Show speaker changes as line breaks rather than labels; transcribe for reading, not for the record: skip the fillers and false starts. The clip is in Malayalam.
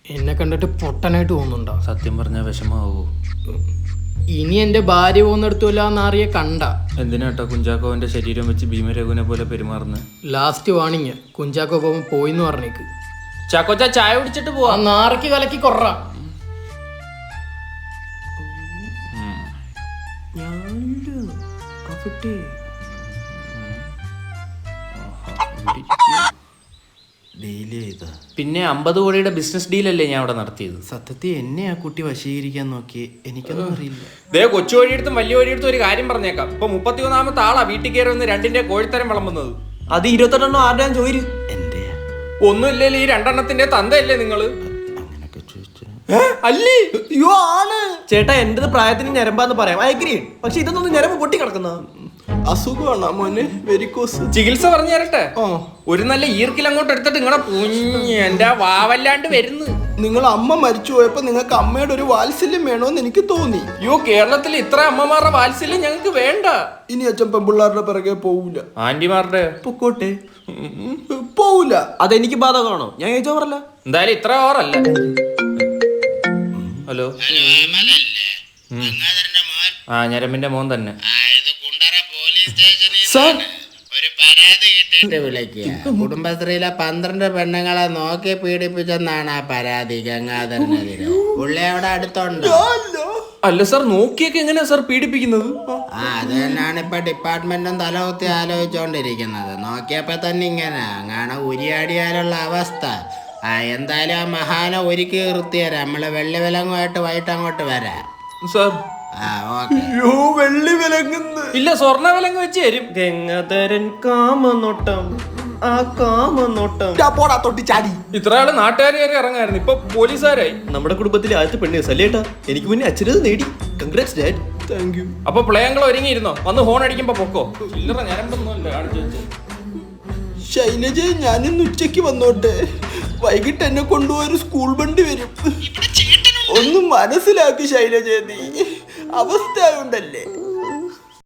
എന്നെ കണ്ടിട്ട് പൊട്ടനായിട്ട് തോന്നുന്നുണ്ടോ?
സത്യം പറഞ്ഞാൽ വിഷമാവോ?
ഇനി എന്റെ ഭാര്യ പോകുന്നിടത്തുമില്ല എന്നറിയ കണ്ട.
എന്തിനാട്ടോ കുഞ്ചാക്കോവന്റെ ശരീരം വെച്ച് ഭീമരഘുവിനെ പോലെ പെരുമാറുന്നത്?
ലാസ്റ്റ് വാണിങ്, കുഞ്ചാക്കോ പോകുമ്പോ പോയിന്ന് പറഞ്ഞേക്ക്.
ചാക്കോച്ച ചായ കുടിച്ചിട്ട് പോവാ.
നാറയ്ക്ക് കലക്കി കൊറ. പിന്നെ 50 കോടിയുടെ ബിസിനസ് ഡീലല്ലേ ഞാൻ അവിടെ നടത്തിയത്.
സത്യത്തിൽ എന്നെ ആ കുട്ടി വശീകരിക്കാൻ നോക്കി, എനിക്കൊന്നും അറിയില്ല.
ദേ കൊച്ചു വഴിയെടുത്തും വലിയ വഴിയെടുത്തും ഒരു കാര്യം പറഞ്ഞേക്കാം. ഇപ്പൊ 31ാമത്തെ ആളാ വീട്ടിൽ കയറി വന്ന് 2ന്റെ കോഴിത്തരം വിളമ്പുന്നത്.
അത് 28 ആരുടെയാ ചോദിച്ചു? എന്റെ
ഒന്നുമില്ലല്ലോ, ഈ 2 തന്തയല്ലേ നിങ്ങള്?
അങ്ങനൊക്കെ ചോദിച്ചു
അല്ലേ?
അയ്യോ ആണ് ചേട്ടാ, എന്റേത് പ്രായത്തിന് ഞരമ്പാന്ന് പറയാം, അയഗ്രീൻ. പക്ഷെ ഇതൊന്നും ഞരമ്പ് പൊട്ടി കിടക്കുന്ന അസുഖമാണ് മോനെ, വെരിക്കോസ്.
ചികിത്സ പറഞ്ഞു തരട്ടെ? ഒരു നല്ല ഈർക്കിൽ അങ്ങോട്ട് എടുത്തിട്ട് നിങ്ങളെ എന്റെ വാവല്ലാണ്ട് വരുന്നു.
നിങ്ങൾ അമ്മ മരിച്ചു പോയപ്പോ നിങ്ങൾക്ക് അമ്മയുടെ ഒരു വാത്സല്യം വേണോന്ന് എനിക്ക് തോന്നി.
അയ്യോ, കേരളത്തിൽ ഇത്ര അമ്മമാരുടെ വാത്സല്യം ഞങ്ങൾക്ക് വേണ്ട.
ഇനി അച്ഛൻ പെമ്പിള്ളാരുടെ പിറകെ പോവൂല.
ആന്റിമാരുടെ
പൊക്കോട്ടെ, പോവൂല. അതെനിക്ക് ബാധകമാണോ? ഞാൻ ചോദിച്ചോ പറല്ല.
എന്തായാലും ഇത്ര ഓവറല്ല. ഹലോ, ആ ഞരമ്പിന്റെ മോൻ തന്നെ.
ഒരു പരാതി കിട്ടിയിട്ട് വിളിക്കുക. കുടുംബശ്രീയിലെ 12 പെണ്ണുങ്ങളെ നോക്കി പീഡിപ്പിച്ചെന്നാണ് ആ പരാതി ഗംഗാധരനെതിരെ. പുള്ളി അവിടെ അടുത്തുണ്ട്.
അല്ല സാർ, നോക്കിയൊക്കെ എങ്ങനെയാ സാർ പീഡിപ്പിക്കുന്നത്?
അത് തന്നെയാണ് ഇപ്പൊ ഡിപ്പാർട്ട്മെന്റും തലകുത്തി ആലോചിച്ചോണ്ടിരിക്കുന്നത്. നോക്കിയപ്പോ തന്നെ ഇങ്ങനെ അങ്ങനെ ഉരിയാടിയാലുള്ള അവസ്ഥ. എന്തായാലും ആ മഹാനെ ഒരുക്കി നിർത്തിയരാം. നമ്മള് വെള്ളി വിലങ്ങുമായിട്ട് വൈകിട്ട് അങ്ങോട്ട് വരാം
സാർ.
വെള്ളി വിലങ്ങുന്നു
ഇല്ല, സ്വർണ്ണ വിലങ്ങ് വെച്ച് തരും.
ഗംഗാധരൻ കാമനോട്ടം, ആ കാമനോട്ടം പോടാ തൊട്ടി ചാടി.
ഇത്ര ആള് നാട്ടുകാർ കയറി ഇറങ്ങായിരുന്നു, ഇപ്പൊ പോലീസുകാരായി.
നമ്മുടെ കുടുംബത്തിലെ ആദ്യത്തെ പെണ്ണ് സല്ലേട്ടാ. എനിക്ക് മുന്നേ അച്ഛനത് നേടി. Congrats dad. Thank you.
അപ്പൊ പ്ലേയങ്ങൾ ഒരുങ്ങിയിരുന്നോ? വന്ന് ഹോൺ അടിക്കുമ്പോ പൊക്കോ. ചില്ലറ ഞരമ്പൊന്നുമല്ല.
ശൈലജ, ഞാനിന്ന് ഉച്ചയ്ക്ക് വന്നോട്ടെ. വൈകിട്ട് എന്നെ കൊണ്ടുപോയൊരു സ്കൂൾ വണ്ടി വരും. ഒന്നും മനസ്സിലാക്കി ശൈലജ, നീ അവസ്ഥ ഉണ്ടല്ലേ.